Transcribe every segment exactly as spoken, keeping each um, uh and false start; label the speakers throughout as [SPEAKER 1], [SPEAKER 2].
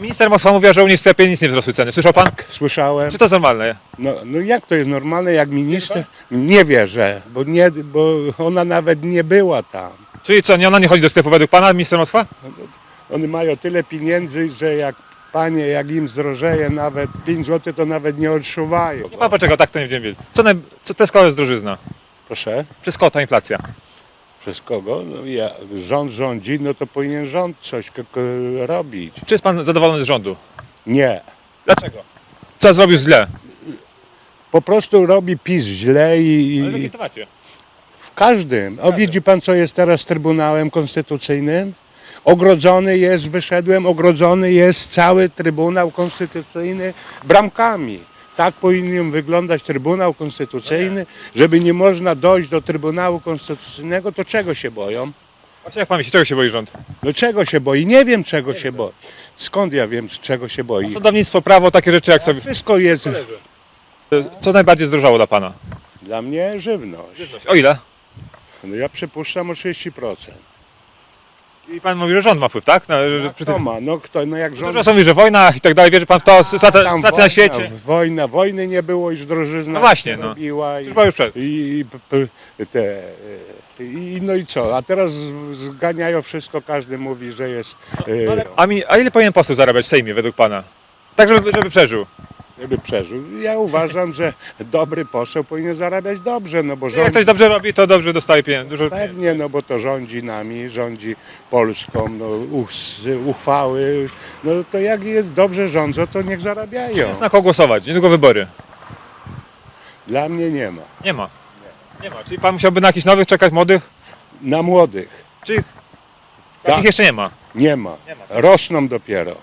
[SPEAKER 1] Minister Moskwa mówiła, że u nich w sklepie nic nie wzrosły ceny. Słyszał pan?
[SPEAKER 2] Słyszałem.
[SPEAKER 1] Czy to jest normalne?
[SPEAKER 2] No, no jak to jest normalne, jak minister? Nie wierzę, bo, nie, bo ona nawet nie była tam.
[SPEAKER 1] Czyli co, nie, ona nie chodzi do sklepu według pana, minister Moskwa?
[SPEAKER 2] Oni mają tyle pieniędzy, że jak panie, jak im zdrożeje nawet pięć złotych, to nawet nie odczuwają.
[SPEAKER 1] Nie pan poczekał, tak to nie wiem wiedzieć. Co, naj... co przez kogo jest drożyzna?
[SPEAKER 2] Proszę,
[SPEAKER 1] Przez kogo ta inflacja?
[SPEAKER 2] przez kogo? No, ja, rząd rządzi, no to powinien rząd coś k- k- robić.
[SPEAKER 1] Czy jest pan zadowolony z rządu?
[SPEAKER 2] Nie.
[SPEAKER 1] Dlaczego? Co zrobił źle?
[SPEAKER 2] Po prostu robi PiS źle i,
[SPEAKER 1] Ale w
[SPEAKER 2] i
[SPEAKER 1] jakim temacie?
[SPEAKER 2] w każdym. O, widzi pan, co jest teraz z Trybunałem Konstytucyjnym? Ogrodzony jest, wyszedłem, ogrodzony jest cały Trybunał Konstytucyjny bramkami. Tak powinien wyglądać Trybunał Konstytucyjny, żeby nie można dojść do Trybunału Konstytucyjnego, to czego się boją?
[SPEAKER 1] Właśnie jak pan myśli, czego się boi rząd?
[SPEAKER 2] No czego się boi? Nie wiem, czego się boi. Skąd ja wiem, czego się boi?
[SPEAKER 1] Sądownictwo, prawo, takie rzeczy jak sobie...
[SPEAKER 2] Wszystko jest
[SPEAKER 1] Co najbardziej zdrożało dla pana?
[SPEAKER 2] dla mnie żywność.
[SPEAKER 1] O ile?
[SPEAKER 2] No ja przypuszczam o trzydzieści procent.
[SPEAKER 1] I pan mówi, że rząd ma wpływ, tak? No, że przy
[SPEAKER 2] Kto
[SPEAKER 1] tym...
[SPEAKER 2] ma? No kto? No jak rząd...
[SPEAKER 1] Dużo są mówi, że wojna i tak dalej, wierzy pan w to, sytuacja
[SPEAKER 2] Tam
[SPEAKER 1] sytuacja
[SPEAKER 2] wojna,
[SPEAKER 1] na świecie.
[SPEAKER 2] Wojna, wojny nie było, już drożyzna
[SPEAKER 1] No właśnie,
[SPEAKER 2] się
[SPEAKER 1] no.
[SPEAKER 2] robiła i,
[SPEAKER 1] Już była już przed.
[SPEAKER 2] i, i p- p- te, i no i co? A teraz z- zganiają wszystko, każdy mówi, że jest, e,
[SPEAKER 1] A, mi, a ile powinien poseł zarabiać w Sejmie według pana? Tak, żeby, żeby przeżył.
[SPEAKER 2] żeby przeżył. Ja uważam, że dobry poseł powinien zarabiać dobrze, no bo
[SPEAKER 1] Jak
[SPEAKER 2] rządzi,
[SPEAKER 1] ktoś dobrze robi, to dobrze dostaje pieniędzy. Dużo pieniędzy.
[SPEAKER 2] pewnie, no bo to rządzi nami, rządzi Polską, no us, uchwały, no to jak jest dobrze rządzą, to niech zarabiają.
[SPEAKER 1] Jest na kogo głosować, niedługo wybory.
[SPEAKER 2] Dla mnie nie ma.
[SPEAKER 1] Nie ma. Nie ma. Czyli pan musiałby na jakichś nowych czekać, młodych?
[SPEAKER 2] Na młodych
[SPEAKER 1] Czy ich,
[SPEAKER 2] Tak.
[SPEAKER 1] ich jeszcze nie ma?
[SPEAKER 2] nie ma.
[SPEAKER 1] Nie ma.
[SPEAKER 2] Rosną dopiero.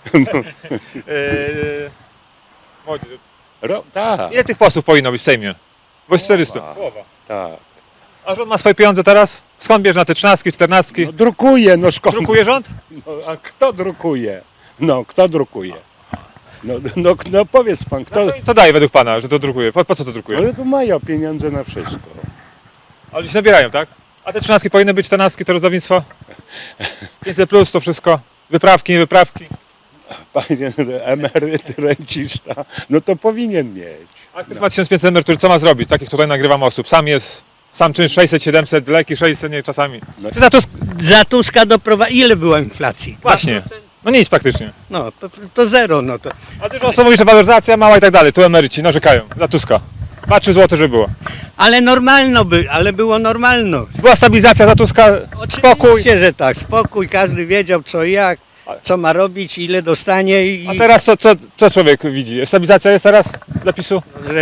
[SPEAKER 1] Eee, młodzi.
[SPEAKER 2] Ro, tak,
[SPEAKER 1] Ile tych posłów powinno być w Sejmie? Bo jest czterysta.
[SPEAKER 2] Połowa. tak.
[SPEAKER 1] A rząd ma swoje pieniądze teraz? Skąd bierze na te trzynastki, czternastki?
[SPEAKER 2] No, drukuje, no skąd?
[SPEAKER 1] Drukuje rząd?
[SPEAKER 2] No, a kto drukuje? No, kto drukuje? No, no, no powiedz pan, kto...
[SPEAKER 1] Co im to daje według pana, że to drukuje? Po, po co to drukuje?
[SPEAKER 2] Ale to mają pieniądze na wszystko.
[SPEAKER 1] Ale się nabierają, tak? A te trzynastki powinny być, czternastki to rozdawnictwo? pięćset plus to wszystko? Wyprawki, nie wyprawki?
[SPEAKER 2] Panie emeryt, rencista, no to powinien mieć.
[SPEAKER 1] A ktoś ma tysiąc pięćset emerytur, co ma zrobić? Takich tutaj nagrywam osób. Sam jest, sam czynsz sześćset, siedemset, leki sześćset, nie czasami.
[SPEAKER 2] No.
[SPEAKER 1] Czy za Tusk...
[SPEAKER 3] Za Tuska doprowadził. Ile była inflacji?
[SPEAKER 1] Właśnie. No nic praktycznie.
[SPEAKER 3] No, to, to zero, no to.
[SPEAKER 1] A dużo osób mówi, że waloryzacja mała i tak dalej. Tu emeryci narzekają. Za Tuska. dwa trzy złote, żeby było.
[SPEAKER 3] Ale normalno by, ale było normalno.
[SPEAKER 1] Była stabilizacja za Tuska, spokój.
[SPEAKER 3] Oczywiście, że tak, spokój, każdy wiedział co i jak, co ma robić, ile dostanie i...
[SPEAKER 1] A teraz co, co, co człowiek widzi? Stabilizacja jest teraz dla PiSu?